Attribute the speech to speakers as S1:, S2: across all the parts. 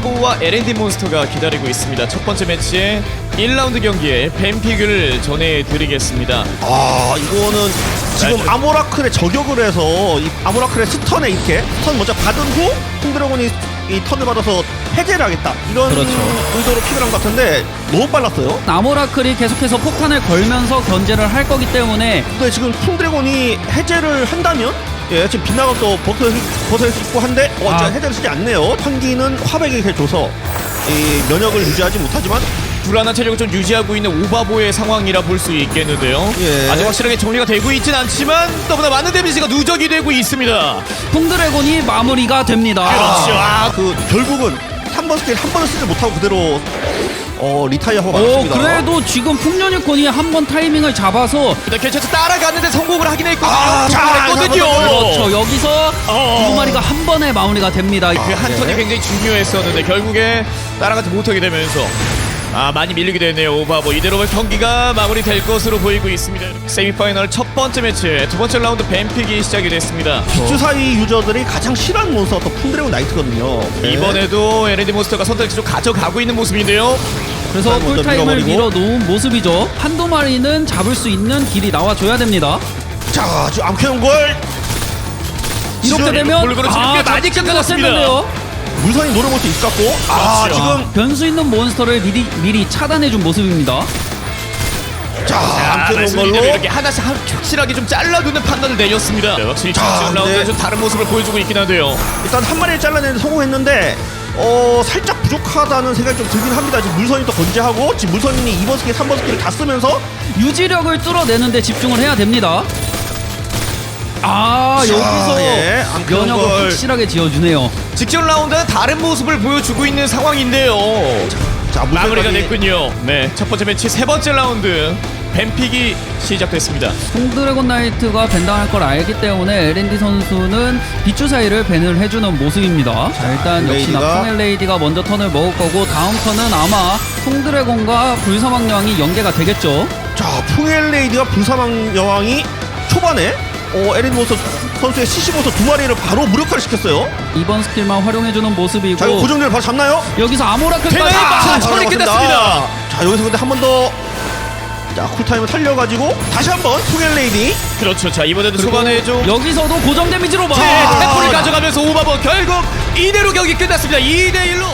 S1: 오바보와 L&D 몬스터가 기다리고 있습니다. 첫 번째 매치의 1라운드 경기에 뱀픽을 전해드리겠습니다.
S2: 아, 이거는 지금
S1: 네.
S2: 아모라클에 저격을 해서 이 아모라클의 스턴에 이렇게 스턴 먼저 받은 후 콩드래곤이 이 턴을 받아서 해제를 하겠다 이런
S3: 그렇죠.
S2: 의도로 픽을 한 것 같은데 너무 빨랐어요.
S3: 아모라클이 계속해서 폭탄을 걸면서 견제를 할 거기 때문에
S2: 근데 지금 콩드래곤이 해제를 한다면 지금 빗나가 또 벗을 수 있고 한데 해제를 쓰지 않네요. 환기는 화백에게 줘서 이 면역을 유지하지 못하지만
S1: 불안한 체력을 좀 유지하고 있는 오바보의 상황이라 볼 수 있겠는데요.
S2: 예.
S1: 아직 확실하게 정리가 되고 있진 않지만 너무나 많은 데미지가 누적이 되고 있습니다.
S3: 콩드래곤이 마무리가 됩니다.
S1: 그렇죠.
S2: 그 결국은 3번 스킬 한 번을 쓰지 못하고 그대로 리타이어하고
S3: 오,
S2: 말았습니다.
S3: 그래도 지금 풍년유콘이 한 번 타이밍을 잡아서
S1: 일단 괜찮죠. 따라갔는데 성공을 하긴 했거든요.
S2: 자,
S1: 했거든요.
S3: 그렇죠. 여기서 두 마리가 한 번에 마무리가 됩니다.
S1: 그 한 턴이 굉장히 중요했었는데 결국에 따라가지 못하게 되면서 많이 밀리게 되네요. 오바보 이대로 경기가 마무리될 것으로 보이고 있습니다. 세미파이널 첫 번째 매치 두 번째 라운드 뱀픽이 시작이 됐습니다.
S2: 주사위 유저들이 가장 싫어하는 몬스터가 또 푼드래곤 나이트거든요.
S1: 이번에도 L&D 몬스터가 선택지로 가져가고 있는 모습인데요.
S3: 그래서
S2: 먼저
S3: 풀타임을
S2: 밀어버리고.
S3: 밀어놓은 모습이죠. 한두 마리는 잡을 수 있는 길이 나와줘야 됩니다.
S2: 자, 지금 암캐논걸
S3: 이렇게 되면
S1: 골고루 지금 꽤 많이 깎아놨습니다.
S3: 깎아놨는데요.
S2: 물선이 노려볼 수 있을 것 같고
S1: 그렇죠.
S2: 지금
S3: 변수 있는 몬스터를 미리 차단해준 모습입니다.
S2: 자, 암캐논
S1: 말씀드린
S2: 걸로
S1: 대로 이렇게 하나씩 확실하게 좀 잘라두는 판단을 내렸습니다. 확실히
S2: 자,
S1: 지금 라운드는
S2: 네.
S1: 좀 다른 모습을 보여주고 있긴 한데요.
S2: 일단 한 마리를 잘라내는데 성공했는데 살짝 부족하다는 생각이 좀 들긴 합니다. 지금 물선이 또 건재하고 지금 물선이 2번 스킬, 3번 스킬을 다 쓰면서
S3: 유지력을 뚫어내는데 집중을 해야 됩니다.
S2: 자,
S3: 여기서
S2: 예, 암캐논
S3: 면역을
S2: 걸.
S3: 확실하게 지어주네요.
S1: 직전 라운드는 다른 모습을 보여주고 있는 상황인데요.
S2: 자,
S1: 마무리가
S2: 물선까지.
S1: 됐군요. 네, 첫 번째 매치 세 번째 라운드 뱀픽이 시작됐습니다.
S3: 콩드래곤 나이트가 밴당할 걸 알기 때문에 L&D 선수는 빗주 사이를 밴을 해주는 모습입니다. 자, 일단 역시나
S2: 레이디가.
S3: 풍엘 레이디가 먼저 턴을 먹을 거고 다음 턴은 아마 콩드래곤과 불사막 여왕이 연계가 되겠죠.
S2: 자, 풍엘레이드가 불사망 여왕이 초반에 에린 모스 선수의 CC 모스 두 마리를 바로 무력화를 시켰어요.
S3: 이번 스킬만 활용해주는 모습이고
S2: 자, 이거 고정대를 바로 잡나요?
S3: 여기서 아모라클까지
S1: 되나요?
S3: 아,
S1: 처리
S2: 바로
S1: 끝났습니다.
S2: 나왔습니다. 자, 여기서 근데 한 번 더 자, 쿨타임을 살려가지고 다시 한번 풍엘레이디
S1: 그렇죠. 자, 이번에도 초반에 좀
S3: 여기서도 고정 데미지로 봐.
S1: 태포를 가져가면서 오바버 결국 이대로 경기 끝났습니다. 2대1로.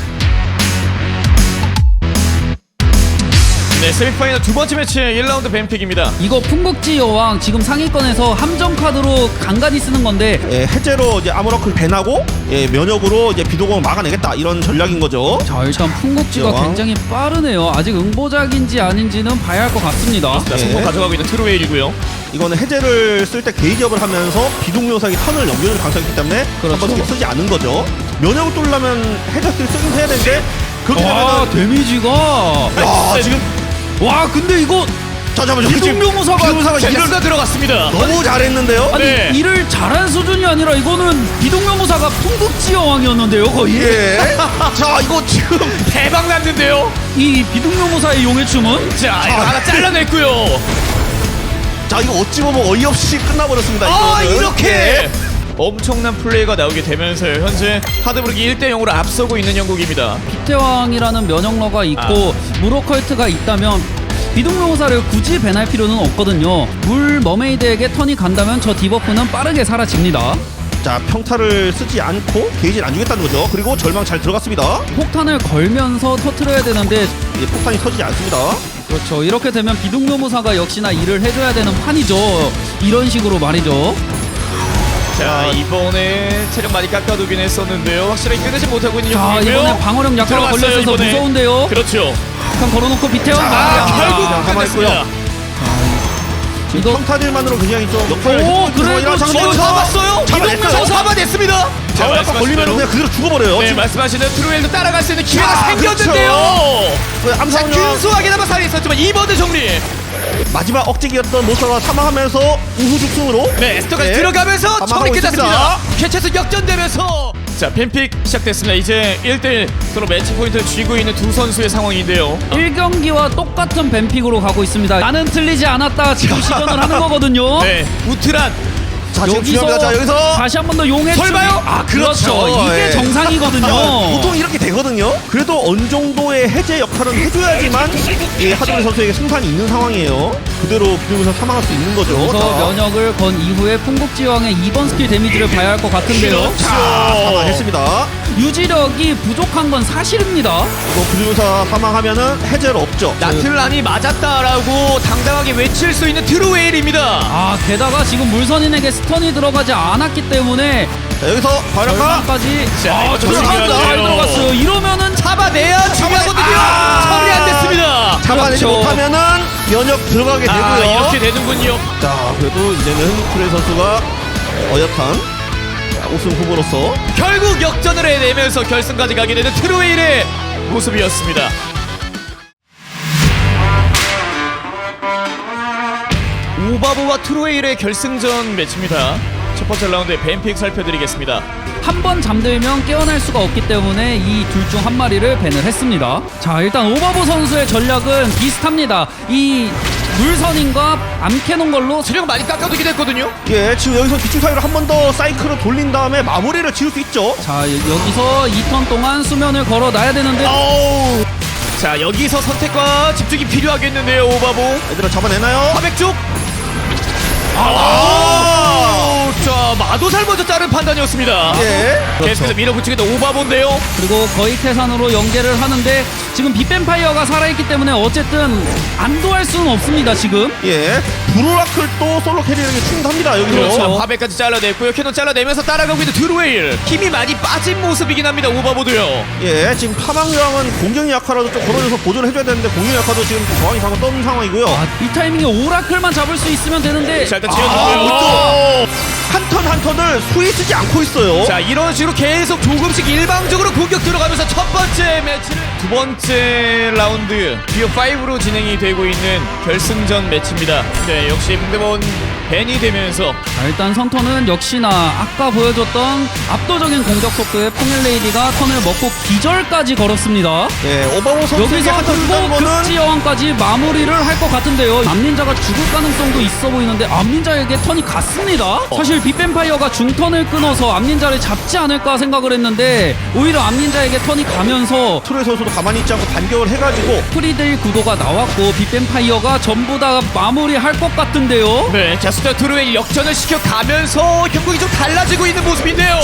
S1: 네, 세미파이널 두 번째 매치 1라운드 뱀픽입니다.
S3: 이거 풍국지 여왕 지금 상위권에서 함정 카드로 간간히 쓰는 건데
S2: 해제로 이제 아모라클 밴하고 면역으로 이제 비도공을 막아내겠다 이런 전략인 거죠.
S3: 자, 일단 풍국지가
S2: 여왕.
S3: 굉장히 빠르네요. 아직 응보작인지 아닌지는 봐야 할 것 같습니다.
S1: 자, 성공 가져가고 있는 트루웨일이고요.
S2: 이거는 해제를 쓸 때 게이지업을 하면서 비동요상이 턴을 넘겨줄 가능성이 있기 때문에
S3: 그렇죠.
S2: 한 번씩 쓰지 않는 거죠. 면역을 뚫려면 해제 스킬 쓰긴 해야 되는데 그렇게
S3: 와,
S2: 되면은
S3: 데미지가
S2: 와, 지금
S3: 와, 근데 이거
S2: 잠깐만
S3: 비동묘무사가
S2: 비동묘사가 일을
S1: 젠스가 들어갔습니다.
S2: 너무 잘했는데요.
S3: 아니
S1: 네.
S3: 일을 잘한 수준이 아니라 이거는 비동묘무사가 풍국지 여왕이었는데요, 거의.
S2: 예. 자, 이거 지금
S1: 대박 났는데요.
S3: 이 비동묘무사의 용의 춤은
S1: 자, 이거 하나 잘라냈고요.
S2: 자, 이거 어찌 보면 어이없이 끝나버렸습니다. 이거는.
S1: 이렇게 엄청난 플레이가 나오게 되면서요. 현재 하드브룩이 1대0으로 앞서고 있는 영국입니다.
S3: 비태왕이라는 면역러가 있고 무로컬트가 있다면 비동묘무사를 굳이 밴할 필요는 없거든요. 물 머메이드에게 턴이 간다면 저 디버프는 빠르게 사라집니다.
S2: 자, 평타를 쓰지 않고 게이지를 안 주겠다는 거죠. 그리고 절망 잘 들어갔습니다.
S3: 폭탄을 걸면서 터트려야 되는데
S2: 폭탄이 터지지 않습니다.
S3: 그렇죠. 이렇게 되면 비동묘무사가 역시나 일을 해줘야 되는 판이죠. 이런 식으로 말이죠.
S1: 자, 이번에 체력 많이 깎아두긴 했었는데요. 확실하게 끊지 못하고 있는
S3: 자,
S1: 영국이고요.
S3: 이번에 방어력 약화가
S1: 들어갔어요,
S3: 걸려있어서
S1: 이번에.
S3: 무서운데요.
S1: 그렇죠.
S3: 약간 걸어놓고 비태왕
S1: 결국
S2: 자, 가만히
S1: 끝냈습니다.
S3: 이거
S2: 평타들만으로 굉장히 좀 역할을
S3: 오,
S2: 해주고 있는
S3: 그래도
S2: 상황이라
S1: 잡았어요.
S2: 잡아냈어요.
S1: 이동명 잡아냈습니다. 자,
S2: 아까 걸리면 그냥 그대로 죽어버려요.
S1: 네,
S2: 지금
S1: 말씀하시는 트루엘도 따라갈 수 있는 기회가
S2: 자,
S1: 생겼는데요. 자,
S2: 암상형
S1: 균소하게나마 살아있었지만 이번에 정리.
S2: 마지막 억제기였던 모사가 사망하면서 우후죽순으로
S1: 네, 에스터까지
S2: 네,
S1: 들어가면서
S2: 사망하고
S1: 정리 끝났습니다.
S2: 있습니다.
S1: 캐치에서 역전되면서 자, 뱀픽 시작됐습니다. 이제 1대1 서로 매치 포인트를 쥐고 있는 두 선수의 상황인데요.
S3: 1경기와 똑같은 뱀픽으로 가고 있습니다. 나는 틀리지 않았다 지금 시전을 하는 거거든요.
S1: 네, 우트란
S2: 자, 지금 중요합니다. 자, 여기서
S3: 다시 한 번 더 용의
S1: 설마요?
S3: 추기.
S2: 아,
S3: 그렇죠.
S2: 그렇죠.
S3: 이게
S2: 예.
S3: 정상이거든요.
S2: 보통 이렇게 되거든요. 그래도 어느 정도의 해제 역할은 해줘야지만 이 하드리 선수에게 승산이 있는 상황이에요. 그대로 비누면서 사망할 수 있는 거죠.
S3: 그래서
S2: 자,
S3: 면역을 건 이후에 풍국지왕의 2번 스킬 데미지를 봐야 할 것 같은데요.
S2: 자, 사망했습니다.
S3: 유지력이 부족한 건 사실입니다.
S2: 이거 비누면서 사망하면은 해제는 없죠.
S1: 나틀란이 맞았다라고 당당하게 외칠 수 있는 트루웨일입니다.
S3: 아 게다가 지금 물선인에게 스턴이 들어가지 않았기 때문에
S2: 자, 여기서 바이러카
S3: 절반까지
S1: 자, 이거
S3: 절반도
S1: 조심해야
S3: 잘
S1: 돼요.
S3: 들어갔어요. 이러면은
S1: 잡아내야 중요하거든요.
S2: 아!
S1: 처리 안 됐습니다.
S2: 잡아내지
S3: 그렇죠.
S2: 못하면은 면역 들어가게 되고요.
S1: 아, 이렇게 되는군요.
S2: 자, 그래도 이제는 프레 선수가 어엿한 우승 후보로서
S1: 결국 역전을 해내면서 결승까지 가게 되는 트루웨일의 모습이었습니다. 오바보와 트루웨일의 결승전 매치입니다. 첫 번째 라운드의 뱀픽 살펴드리겠습니다.
S3: 한 번 잠들면 깨어날 수가 없기 때문에 이 둘 중 한 마리를 밴을 했습니다. 자 일단 오바보 선수의 전략은 비슷합니다. 이 물선인과 암캐논 걸로
S1: 체력 많이 깎아두긴 했거든요.
S2: 예, 지금 여기서 뒤쪽 사이로 한 번 더 사이클을 돌린 다음에 마무리를 지을 수 있죠.
S3: 자 여기서 2턴 동안 수면을 걸어놔야 되는데
S1: 아우. 자, 여기서 선택과 집중이 필요하겠는데요, 오바보.
S2: 얘들아 잡아내나요?
S1: 화백 쪽. 자, 마도살 먼저 자른 판단이었습니다.
S2: 예.
S1: 계속해서 밀어붙이겠다 오바보인데요.
S3: 그리고 거의 태산으로 연계를 하는데 지금 빅뱀파이어가 살아있기 때문에 어쨌든 안도할 수는 없습니다 지금.
S2: 예. 브로라클 또 솔로 캐리에게 충분합니다. 여기서.
S1: 그렇죠. 화백까지 잘라냈고요. 캐논 잘라내면서 따라가고 있는 드루웨일. 힘이 많이 빠진 모습이긴 합니다. 오바보도요.
S2: 예, 지금 파망장은 공격력 약화라도 좀 걸어줘서 보존을 해줘야 되는데 공격력 약화도 지금 저항이 상을 떠는 상황이고요.
S3: 아, 이 타이밍에 오라클만 잡을 수 있으면 되는데
S1: 자, 일단
S2: 아,
S1: 지어주고요.
S2: 한 턴 한 턴을 수위 쓰지 않고 있어요.
S1: 자, 이런 식으로 계속 조금씩 일방적으로 공격 들어가면서 첫 번째 매치를 두 번째 라운드 기어 5로 진행이 되고 있는 결승전 매치입니다. 네, 역시 상대번 벤이 되면서
S3: 자, 일단 선턴은 역시나 아까 보여줬던 압도적인 공격 속도의 포멜레이디가 턴을 먹고 기절까지 걸었습니다.
S2: 예, 오바보 선수에게
S3: 여기서
S2: 한턴 주는
S3: 그리고
S2: 거는
S3: 급지 여왕까지 마무리를 할 것 같은데요. 암닌자가 죽을 가능성도 있어 보이는데 암닌자에게 턴이 갔습니다. 사실 빅뱀파이어가 중턴을 끊어서 암닌자를 잡지 않을까 생각을 했는데 오히려 암닌자에게 턴이 가면서
S2: 트로이 선수도 가만히 있지 않고 반격을 해가지고
S3: 프리데일 구도가 나왔고 빅뱀파이어가 전부 다 마무리할 것 같은데요.
S1: 네, 자, 스타 드루웨일 역전을 시켜가면서 경국이 좀 달라지고 있는 모습인데요.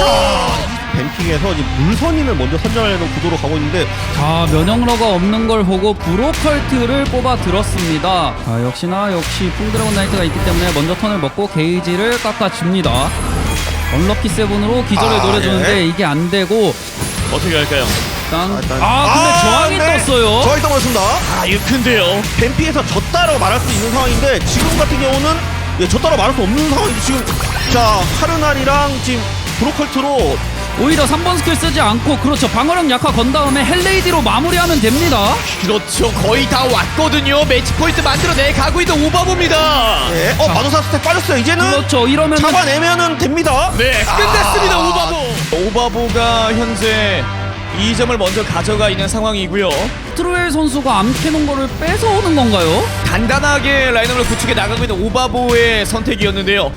S2: 뱀픽에서 이제 물선인을 먼저 선정하려는 구도로 가고 있는데
S3: 자 면역러가 없는 걸 보고 브로컬트를 뽑아 들었습니다. 자 역시 풍드래곤 나이트가 있기 때문에 먼저 턴을 먹고 게이지를 깎아줍니다. 언럭키 세븐으로 기절을 노려주는데
S2: 예.
S3: 이게 안 되고
S1: 어떻게 할까요?
S3: 일단
S2: 일단-
S3: 근데 저항이
S2: 네.
S3: 떴어요.
S2: 저항이 떠버렸습니다.
S1: 아, 이거 큰데요.
S2: 뱀픽에서 졌다라고 말할 수 있는 상황인데 지금 같은 경우는 예, 졌다라고 말할 수 없는 상황이죠. 지금 자 카르날이랑 지금 브로컬트로
S3: 오히려 3번 스킬 쓰지 않고 그렇죠 방어력 약화 건 다음에 헬레이디로 마무리하면 됩니다.
S1: 그렇죠. 거의 다 왔거든요. 매치 포인트 만들어내 가고 있는 오바보입니다.
S2: 예, 마도사 스텝 빠졌어요. 이제는
S3: 그렇죠 이러면
S2: 잡아내면은 됩니다.
S1: 네, 끝냈습니다. 오바보. 오바보가 현재 2점을 먼저 가져가 있는 상황이고요.
S3: 트루엘 선수가 암캐논 거를 뺏어오는 건가요?
S1: 간단하게 라인업을 구축해 나가고 있는 오바보의 선택이었는데요.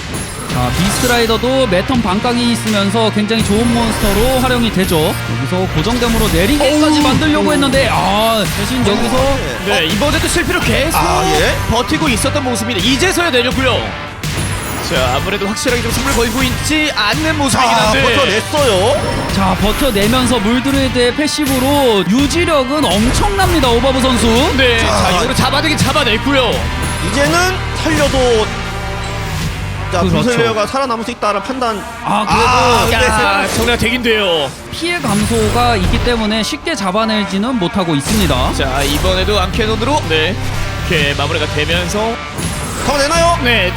S3: 자 비스트라이더도 매턴 반각이 있으면서 굉장히 좋은 몬스터로 활용이 되죠. 여기서 고정됨으로 내리기까지 만들려고 했는데 대신 여기서
S1: 네, 이번에도 실패로 계속
S2: 예.
S1: 버티고 있었던 모습입니다. 이제서야 내렸고요. 자, 아무래도 확실하게 좀 승부를 걸고 있지 않는 모습이긴 한데
S2: 버텨냈어요.
S3: 자 버텨내면서 물드레이드의 패시브로 유지력은 엄청납니다 오바브 선수.
S1: 네, 자, 이거로 잡아내긴 잡아냈고요.
S2: 이제는 살려도 자
S3: 그렇죠.
S2: 불슬레어가 살아남을 수 있다는 판단.
S3: 그래도
S2: 네.
S1: 야, 정리가 되긴 돼요.
S3: 피해 감소가 있기 때문에 쉽게 잡아내지는 못하고 있습니다.
S1: 자, 이번에도 암캐논으로 네, 이렇게 마무리가 되면서
S2: 잡아내나요?
S1: 네,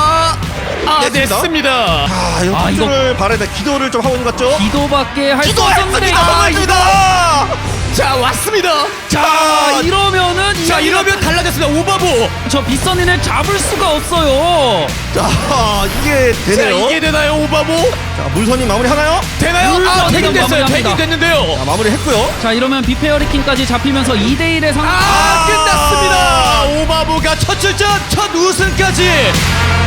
S2: 냈습니다.
S1: 냈습니다.
S2: 이거
S3: 아,
S2: 기도를 바라야 돼. 기도를 좀 하고 있는 것 같죠?
S3: 기도밖에 할 수
S2: 기도했습니다.
S3: 없는데
S2: 맞습니다.
S1: 자, 왔습니다.
S3: 자 이러면은
S1: 자, 이러면 달라졌습니다. 오바보.
S3: 저 빗선인을 잡을 수가 없어요.
S2: 자 이게
S1: 자,
S2: 되네요.
S1: 이게 되나요, 오바보?
S2: 자 물선이 마무리 하나요?
S1: 되나요?
S3: 물론
S1: 되긴 됐어요.
S3: 마무리합니다.
S1: 되긴 됐는데요.
S2: 자 마무리했고요.
S3: 자 이러면 비페어리킹까지 잡히면서 2대1의 상황.
S1: 끝났습니다. 오바보가 첫 출전, 첫 우승까지